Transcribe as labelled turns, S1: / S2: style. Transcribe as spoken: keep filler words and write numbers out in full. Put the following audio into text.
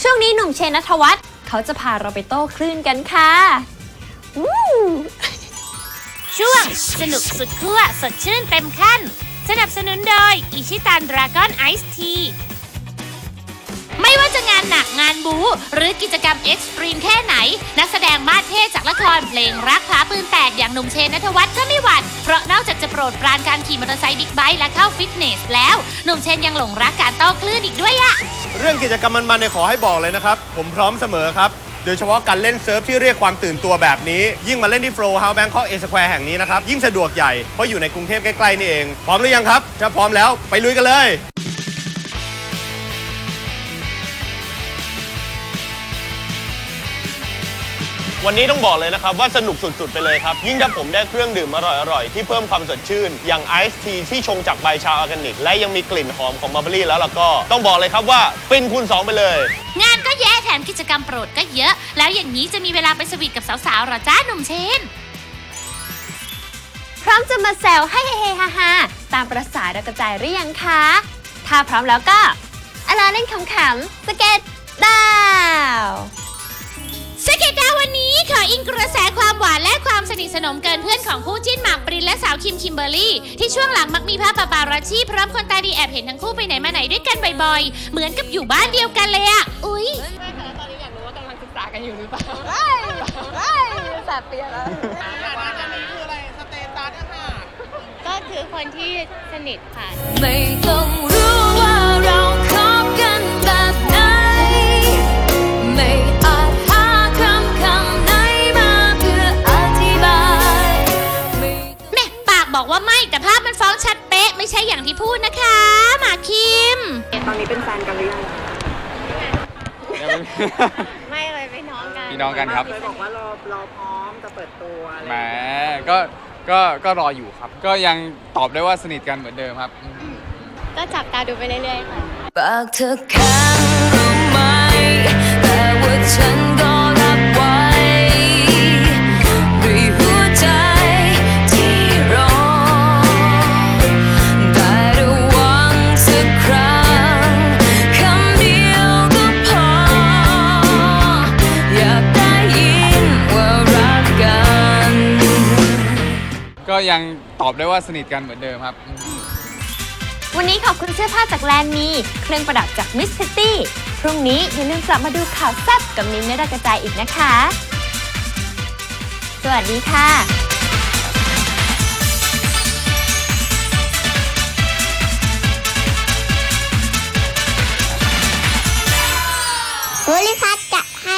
S1: ช่วงนี้หนุ่มเชนณัฐวัฒน์เขาจะพาเราไปโต้คลื่นกันค่ะ
S2: ช่วงสนุกสุดขั้วสดชื่นเต็มขั้นสนับสนุนโดยอิชิตันดราก้อนไอซ์ทีไม่ว่าจะงานหนักงานบู๊หรือกิจกรรมเอ็กซ์ตรีมแค่ไหนนักแสดงมาสเท่จากละครเพลงรักพลาปืนแตกอย่างหนุ่มเชนณัฐวัฒน์ก็ไม่หวั่นเพราะนอกจากจะโปรดปรานการขี่มอเตอร์ไซค์บิ๊กไบค์และเข้าฟิตเนสแล้วหนุ่มเชนยังหลงรักการโต้คลื่นอีกด้วยอะ
S3: เรื่องกิจกรรมมันๆเนี่ยขอให้บอกเลยนะครับผมพร้อมเสมอครับโดยเฉพาะการเล่นเซิร์ฟที่เรียกความตื่นตัวแบบนี้ยิ่งมาเล่นที่โฟล์เฮาส์แบงคอกเอสแควร์แห่งนี้นะครับยิ่งสะดวกใหญ่เพราะอยู่ในกรุงเทพใกล้ๆนี่เองพร้อมหรือยังครับถ้าพร้อมแล้วไปลุยกันเลยวันนี้ต้องบอกเลยนะครับว่าสนุกสุดๆไปเลยครับยิ่งถ้าผมได้เครื่องดื่มอร่อยๆที่เพิ่มความสดชื่นอย่างไอซ์ทีที่ชงจากใบชาออร์แกนิกและยังมีกลิ่นหอมของมัลเบอรี่แล้วล่ะก็ต้องบอกเลยครับว่าฟินคูณสองไปเลย
S2: งานก็แย่แถมกิจกรรมโปรดก็เยอะแล้วอย่างนี้จะมีเวลาไปสวีทกับสาวๆหรอจ้าหนุ่มเชน
S1: พร้อมจะมาแซวให้เฮฮาฮาตามประสาดาวกระจายหรือยังคะถ้าพร้อมแล้วก็เอาล่ะเล่นขำๆสเก็ตดาว
S2: สเก็ตดาววันนี้ขออิงกระแสความหวานและความสนิทสนมเกินเพื่อนของคู่จิ้นหมากปรินและสาวคิมคิมเบอร์รี่ที่ช่วงหลังมักมีภาพปาปารัชชี่พร้อมคนตาดีแอบเห็นทั้งคู่ไปไหนมาไหนด้วยกันบ่อยๆเหมือนกับอยู่บ้านเดียวกันเลยอะอุ๊ย
S4: ไม่ค่ะตอนนี้อยากรู้ว่ากำลังศึกษากันอยู่หรือเปล่า
S1: ไม่ไม่แสบเปียแล้ว
S4: อันนี้คืออะไรสเตตัสอะค่ะ
S2: ก็คือคนที่สนิทค่ะ
S5: ไม่ต้องรู้ว่าเราคบกันแบบไหนไม่อาจหาคำคำไหนมาเพื่ออธิบาย
S2: แม่ปากบอกว่าไม่แต่ภาพมันฟ้องชัดเป๊ะไม่ใช่อย่างที่พูดนะคะหมากคิม
S4: ตอนนี้เป็นแฟนกันหรือยัง
S2: ไม่เลยเป็นน้องกัน
S6: พี่น้องกันครับ
S4: เคยบอกว่ารอรอพร้อมจะเปิดตัวอะไร
S6: แหมก็ก็ก็รออยู่ครับก็ยังตอบได้ว่าสนิทกันเหมือนเดิมครับ
S2: ก็จับตาดูไปเรื่อยๆค่ะ
S5: ปากเธอแข็งรู้ไหมแต่ว่าฉันก็รับไว้ด้วยหัวใจที่รอได้ระวังสักครั้งคำเดียวก็พออยากได้ยินว่ารักกัน
S6: ก็ยังตอบได้ว่าสนิทกันเหมือนเดิมครับ
S1: วันนี้ขอบคุณเสื้อผ้าจากแลนด์มีเครื่องประดับจากมิสซิตี้พรุ่งนี้อย่าลืมกลับมาดูข่าวแซ่บกับมิ้นท์ ณรัตน์กระจายอีกนะคะสวัสดีค่ะ
S7: ภูริพัฒน์จะให้